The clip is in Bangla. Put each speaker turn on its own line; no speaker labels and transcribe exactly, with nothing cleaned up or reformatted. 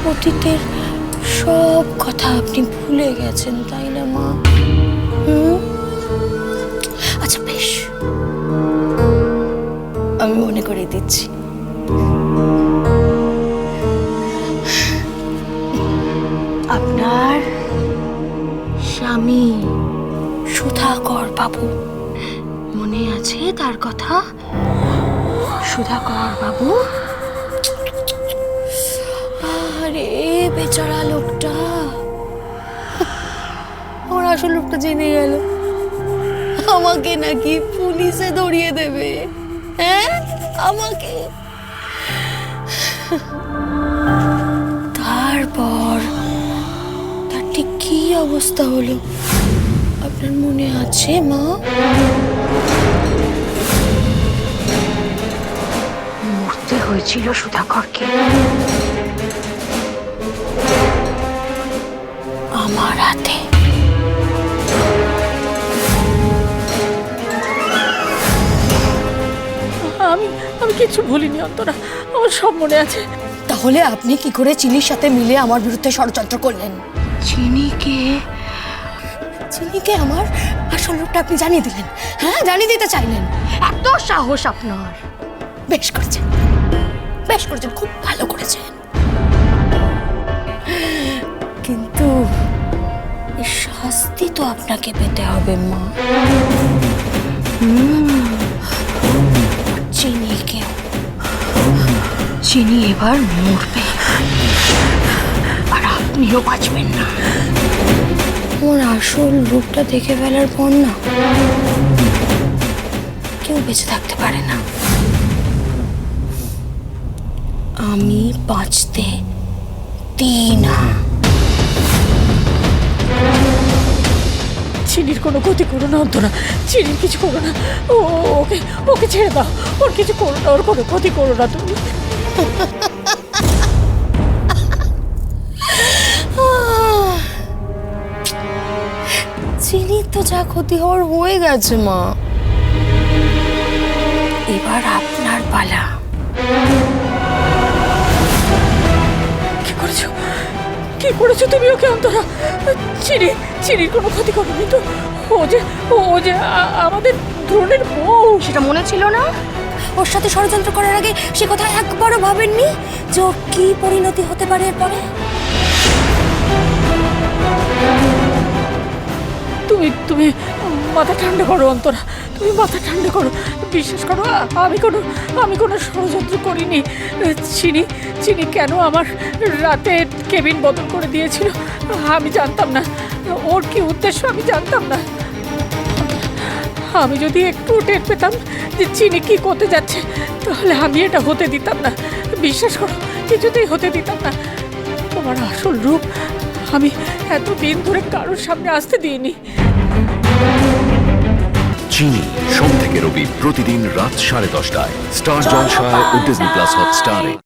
অতীতের সব কথা আপনি ভুলে গেছেন, তাই না মা? হুম, আচ্ছা বেশ, আমি মনে করে দিচ্ছি। আপনার স্বামী সুধাকর বাবু, মনে আছে তার কথা? সুধাকর বাবু, আরে বেচারা লোকটা, আমার আসল লোকটা জেনে গেল, আমাকে নাকি পুলিশে ধরিয়ে দেবে। হ্যাঁ, আমাকে। তারপর তার ঠিক কি অবস্থা হলো আপনার মনে আছে মা? মরতে হয়েছিল সুধাকরকে আমার হাতে।
আমি আমি কিছু ভুলিনি অন্তরা, আমার সব মনে আছে।
তাহলে আপনি কি করে চিনির সাথে মিলে আমার বিরুদ্ধে ষড়যন্ত্র করলেন? চিনিকে চিনিকে আমার আসল রূপটা আপনি জানিয়ে দিলেন? হ্যাঁ, জানিয়ে দিতে চাইলেন? এত সাহস আপনার! বেশ করেছেন, বেশ করেছেন, খুব ভালো করেছেন। কিন্তু এই শাস্তি তো আপনাকে পেতে হবে মা। চিনিকেও। চিনি এবার মরবে, আর আপনিও বাঁচবেন না। আমার আসল রূপটা দেখে ফেলার পর না কেউ বেঁচে থাকতে পারে না। আমি বাঁচতে দিই না।
চিনির কোনো ক্ষতি করো না অন্তরা, চিনির কিছু করো না। ও ওকে ওকে ছেড়ে দাও, ওর কিছু করো না, ওর কোনো ক্ষতি করো না তুমি।
চিনির তো যা ক্ষতি হওয়ার হয়ে গেছে মা, এবার আপনার পালা।
কি করেছো, কি করেছো তুমি ওকে অন্তরা? চিনি চিনির কোনো ক্ষতি করোনি তো? ও যে ও যে আ- আমাদের দ্রোণের বউ।
সেটা মনে ছিল না? ওর সাথে ষড়যন্ত্র করার আগে সে কথা একবারও ভাবেননি যে ওর কি পরিণতি হতে পারে এরপরে?
তুমি তুমি মাথা ঠান্ডা করো অন্তরা, তুমি মাথা ঠান্ডা করো। বিশ্বাস করো, আ- আমি কোনো আমি কোনো ষড়যন্ত্র করিনি। চিনি চিনি কেন আমার রাতে কেবিন বদল করে দিয়েছিল আমি জানতাম না। ওর কি উদ্দেশ্য আমি জানতাম না। আমি যদি একটু টের পেতাম যে চিনি কি করতে যাচ্ছে, তাহলে আমি এটা হতে দিতাম না। বিশ্বাস করো, কিছুতেই হতে দিতাম না। তোমার আসল রূপ আমি এতদিন ধরে কারোর সামনে আসতে দিইনি।
চিনি সোম থেকে রবি প্রতিদিন রাত সাড়ে দশটায় স্টার জলসায় ও ডিজনি প্লাস হটস্টারে।